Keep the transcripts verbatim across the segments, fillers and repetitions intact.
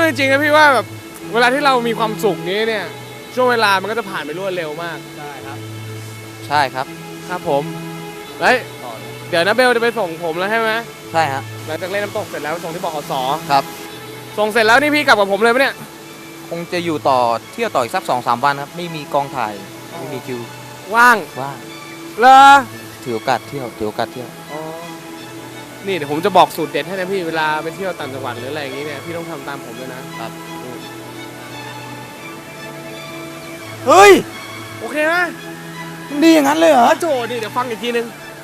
จริงๆนะพี่ว่าแบบเวลาที่เรามีความสุขนี้เนี่ยช่วงเวลามันก็จะผ่านไปรวดเร็วมากใช่ครับใช่ครับครับผมแล้วเดี๋ยวนะเบลจะไปส่งผมแล้วใช่ไหมใช่ฮะหลังจากเล่นน้ำตกเสร็จแล้วส่งที่บขสครับส่งเสร็จแล้วนี่พี่กลับกับผมเลยปะเนี่ยคงจะอยู่ต่อเที่ยวต่ออีกสักสองสามวันครับไม่มีกองถ่ายไม่มีคิวว่างว่างเหรอถือโอกาสเที่ยวถือโอกาสเที่ยวอ๋อนี่เดี๋ยวผมจะบอกสูตรเด็ดให้นะพี่เวลาไปเที่ยวต่างจังหวัดหรืออะไรอย่างงี้เนี่ยพี่ต้องทำตามผมเลยนะครับเฮ้ยโอเคไหมมันดีอย่างนั้นเลยเหรอโจนี่เดี๋ยวฟังอีกทีนึง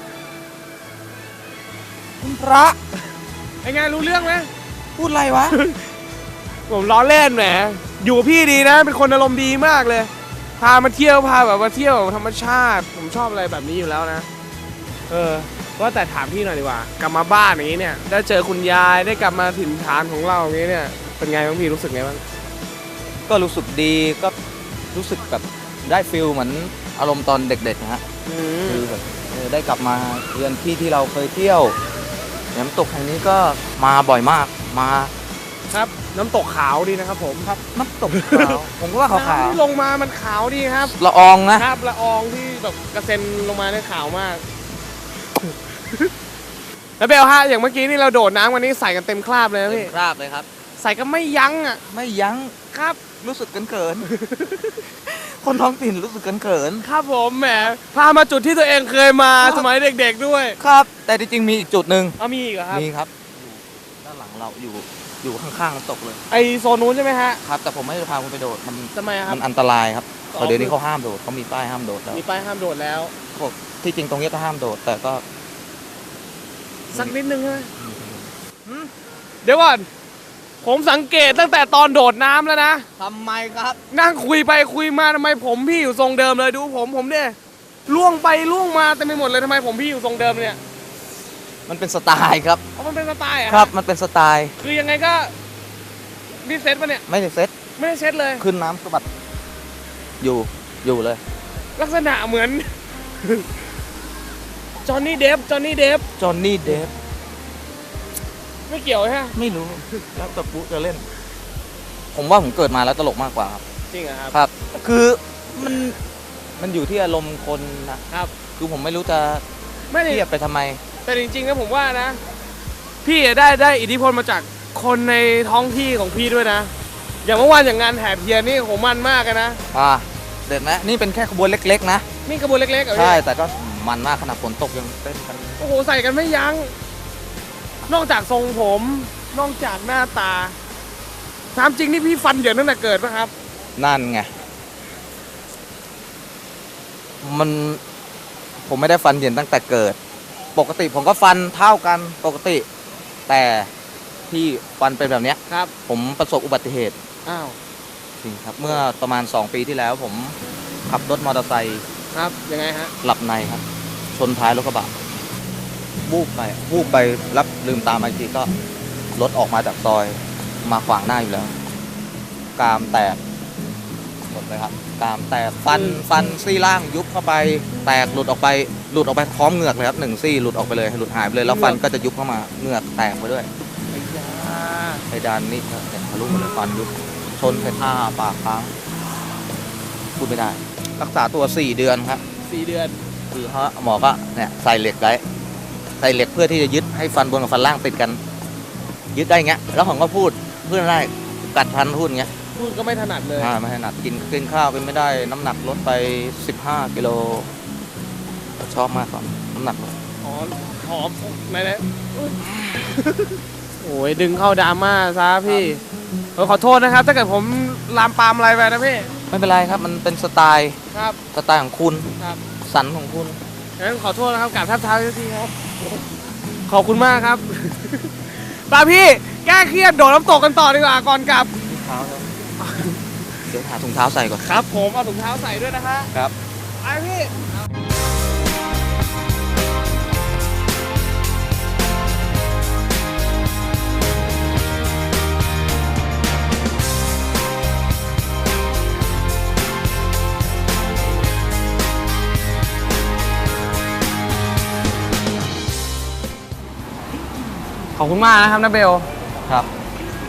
คุณพระไอ้ไงรู้เรื่องไหมพูดอะไรวะผมล้อเล่นแหมอยู่กับพี่ดีนะเป็นคนอารมณ์ดีมากเลยพามาเที่ยวพาแบบมาเที่ยวธรรมชาติผมชอบอะไรแบบนี้อยู่แล้วนะเออว่าแต่ถามพี่หน่อยดีกว่ากลับมาบ้านอย่างนี้เนี่ยได้เจอคุณยายได้กลับมาถิ่นฐานของเราอย่างนี้เนี่ยเป็นไงบ้างพี่รู้สึกไงบ้างก็รู้สึกดีก็รู้สึกแบบได้ฟิลเหมือนอารมณ์ตอนเด็กๆนะฮะคือแบบได้กลับมาเยือนที่ที่เราเคยเที่ยวน้ำตกแห่งนี้ก็มาบ่อยมากมาครับน้ำตกขาวดีนะครับผมครับน้ำตกขาวผมก็ว่าขาวๆที่ลงมามันขาวดีครับละอองนะครับละอองที่แบบกระเซ็นลงมาเนี่ยขาวมากแล้วเบลฮะอย่างเมื่อกี้นี่เราโดดน้ำวันนี้ใส่กันเต็มคราบเลยพี่เต็มคราบเลยครับใส่กันไม่ยั้งอ่ะไม่ยั้งครับรู้สึกเขินๆคนท้องถิ่นรู้สึกเขินๆครับผมแหมพามาจุดที่ตัวเองเคยมาสมัยเด็กๆด้วยครับแต่จริงๆมีอีกจุดหนึ่งอ๋อมีอีกเหรอครับมีครับด้านหลังเราอยู่อยู่ข้างๆน้ำตกเลยไอโซนนู้นใช่ไหมฮะครับแต่ผมไม่ได้พาคุณไปโดดมันทำไมครับมันอันตรายครับเดี๋ยวนี้เขาห้ามโดดเขามีป้ายห้ามโดดแล้วมีป้ายห้ามโดดแล้วที่จริงตรงนี้ก็ห้ามโดดแต่ก็สักนิดนึงใช่ไหมเดี๋ยวก่อนผมสังเกตตั้งแต่ตอนโดดน้ำแล้วนะทำไมครับนั่งคุยไปคุยมาทำไมผมพี่อยู่ทรงเดิมเลยดูผมผมเนี่ยล่วงไปล่วงมาเต็มไปหมดเลยทำไมผมพี่อยู่ทรงเดิมเนี่ยมันเป็นสไตล์ครับอ๋อมันเป็นสไตล์อ่ะครับมันเป็นสไตล์คือยังไงก็นี่เซ็ตปะเนี่ยไม่ได้เซ็ตไม่ได้เซ็ตเลยขึ้นน้ำสะบัดอยู่อยู่เลยลักษณะเหมือนจอห์นนี่เดฟจอห์นนี่เดฟจอห์นนี่เดฟไม่เกี่ยวใช่ไหมไม่รู้แล้วแต่ปุ๊จะเล่นผมว่าผมเกิดมาแล้วตลกมากกว่าครับจริงเหรอครับครับคือมันมันอยู่ที่อารมณ์คนนะครับคือผมไม่รู้จะเทียบไปทำไมแต่จริงๆนะผมว่านะพี่ได้ได้อิทธิพลมาจากคนในท้องที่ของพี่ด้วยนะอย่างเมื่อวานอย่างงานแห่เทียนนี่โหมันมากนะอ่าเด็ดไหมนี่เป็นแค่ขบวนเล็กๆนะนี่ขบวนเล็กๆเหรอใช่แต่ก็มันมากขนาดฝนตกยังเต้นกันโอ้โหใส่กันไม่ยั้งนอกจากทรงผมนอกจากหน้าตาถามจริงนี่พี่ฟันเหยินตั้งแต่เกิดป่ะครับนั่นไงมันผมไม่ได้ฟันเหยินตั้งแต่เกิดปกติผมก็ฟันเท่ากันปกติแต่ที่ฟันเป็นแบบนี้ครับผมประสบอุบัติเหตุอ้าวจริงครับเมื่อประมาณสองปีที่แล้วผมขับรถมอเตอร์ไซค์ครับยังไงฮะหลับในครับชนท้ายรถกระบะวูบไปวูบไปรับลืมตามาอีกทีก็รถออกมาจากซอยมาขวางหน้าอยู่แล้วกรามแตกหมดเลยครับกรามแตกฟันฟันซี่ล่างยุบเข้าไปแตกหลุดออกไปหลุดออกไปพร้อมเหงือกเลยครับหนึ่งซี่หลุดออกไปเลยหลุดหายไปเลยแล้วฟันก็จะยุบเข้ามาเหงือกแตกไปด้วยไอ้ดานนี่ทะลุหมดเลยฟันยุบชนไปท่าปากค้างพูดไม่ได้รักษาตัวสี่เดือนครับสี่เดือนคือฮะหมอก็เนี่ยใส่เหล็กไว้ใส่เหล็กเพื่อที่จะยึดให้ฟันบนกับฟันล่างติดกันยึดได้เงี้ยแล้วผมก็พูดเพื่อนได้กัดฟันพูดเงี้ยพูดก็ไม่ถนัดเลยอ่าไม่ถนัดกินกินข้าวเป็นไม่ได้น้ำหนักลดไปสิบห้ากิโลชอบมากกว่าน้ำหนักอ๋อหอมไหนไหนโอ้ยดึงเข้าดราม่าซะพี่ขอโทษนะครับถ้าเกิดผมลามปามอะไรไปนะพี่ไม่เป็นไรครับมันเป็นสไตล์ครับสไตล์ของคุณครับสันของคุณงั้นขอโทษนะครับกราบทับเท้าทีครับขอบคุณมากครับป้าพี่แก้เครียดโดดน้ำตกกันต่อดีกว่าก่อนกลับเท้าเดี๋ยวหาถุงเท้าใส่ก่อนครับผมเอาถุงเท้าใส่ด้วยนะฮะครับไปพี่ขอบคุณมากนะครับนะเบลครับ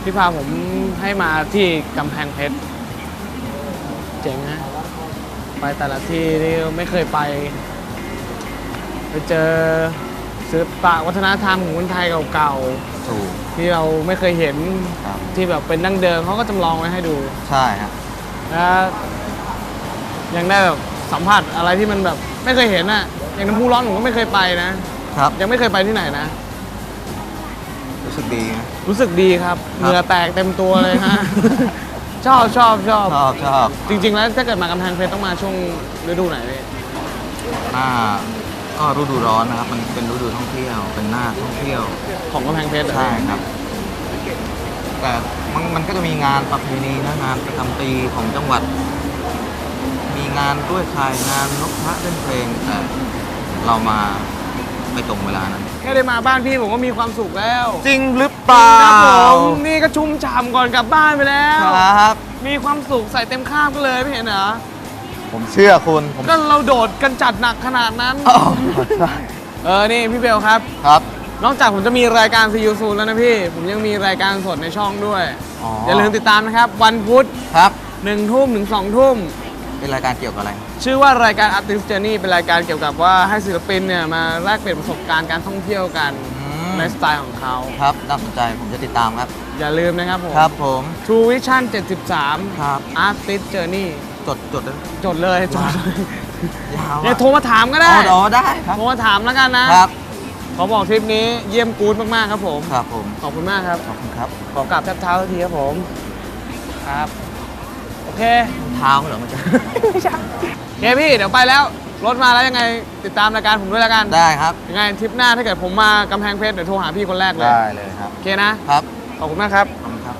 ที่พาผมให้มาที่กำแพงเพชรเจ๋งนะไปแต่ละที่ที่ไม่เคยไปไปเจอศิลปะวัฒนธรรมของคนไทยเก่าถูกๆที่เราไม่เคยเห็นครับที่แบบเป็นดั้งเดิมเขาก็จำลองไว้ให้ดูใช่ฮะและยังได้แบบสัมผัสอะไรที่มันแบบไม่เคยเห็นอ่ะอย่างน้ำพุร้อนผมก็ไม่เคยไปนะครับ ยังไม่เคยไปที่ไหนนะรู้สึกดีนะรู้สึกดีครับครับเหงื่อแตกเต็มตัวเลยฮะ ชอบชอบชอบชอบชอบจริง ๆ แล้วถ้าเกิดมากำแพงเพชรต้องมาช่วงฤดูไหนพี่หน้าก็ฤดูร้อนนะครับ มันเป็นฤดูท่องเที่ยว เป็นหน้าท่องเที่ยวของกำแพงเพชรเหรอใช่ครับ แต่มันมันก็จะมีงานประเพณีนะงานประจำปีของจังหวัด มีงานด้วยชายงานนกพระเล่นเพลง แต่เรามาไม่ตรงเวลานั้นแค่ได้มาบ้านพี่ผมก็มีความสุขแล้วจริงหรือเปล่าครับผมนี่ก็ชุ่มฉ่ำก่อนกลับบ้านไปแล้วครับมีความสุขใส่เต็มข้ามก็เลยไม่เห็นเหรอผมเชื่อคุณผมก็เราโดดกันจัดหนักขนาดนั้นอ๋อใช่เออนี่พี่เบลครับครับนอกจากผมจะมีรายการซียูซูแล้วนะพี่ ผมยังมีรายการสดในช่องด้วยอ๋ออย่าลืมติดตามนะครับ วันพุธครับหนึ่งทุ่มถึงสองทุ่มเป็นรายการเกี่ยวกับอะไรชื่อว่ารายการ Artist Journey เป็นรายการเกี่ยวกับว่าให้ศิลปินเนี่ยมาแลกเปลี่ยนประสบการณ์การท่องเที่ยวกันอืมในสไตล์ของเขาครับน่าสนใจผมจะติดตามครับอย่าลืมนะครับผมครับผม True Vision เจ็ดสิบสามครับ Artist Journey จดจดเลยจดเลยจดเลยยาวอย่าอะโทรมาถามก็ได้อ๋ออ๋อได้ครับโทรมาถามแล้วกันนะครับขอบอกทริปนี้เยี่ยมกู๊ดมากๆครับผมครับผมขอบคุณมากครับขอบคุณครับขอกราบแทบเท้าสักทีครับผม ครับ โอเคเท้าเหรอมันจะไม่ใช่โอเคพี่ เดี๋ยวไปแล้ว รถมาแล้วยังไงติดตามรายการผมด้วยแล้วกันได้ครับยังไงทริปหน้าถ้าเกิดผมมากำแพงเพชรเดี๋ยวโทรหาพี่คนแรกเลยได้เลยครับโอเคนะครับขอบคุณมากครับขอบคุณครับ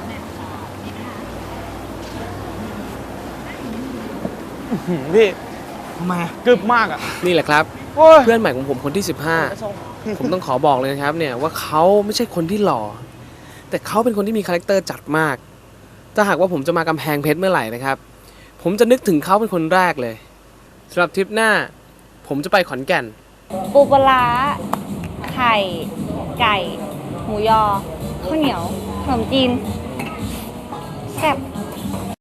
พี่ทำไมอะกึบมากอ่ะ นี่แหละครับ เพื่อนใหม่ของผมคนที่ สิบห้า ผมต้องขอบอกเลยนะครับเนี่ยว่าเขาไม่ใช่คนที่หล่อ แต่เขาเป็นคนที่มีคาแรคเตอร์จัดมาก ถ้าหากว่าผมจะมากำแพงเพชรเมื่อไหร่นะครับ ผมจะนึกถึงเขาเป็นคนแรกเลยสำหรับทริปหน้า ผมจะไปขอนแก่นปูปลาร้าไข่ ไก่ หมูยอ ข้าวเหนียว ขนมจีนแซ่บ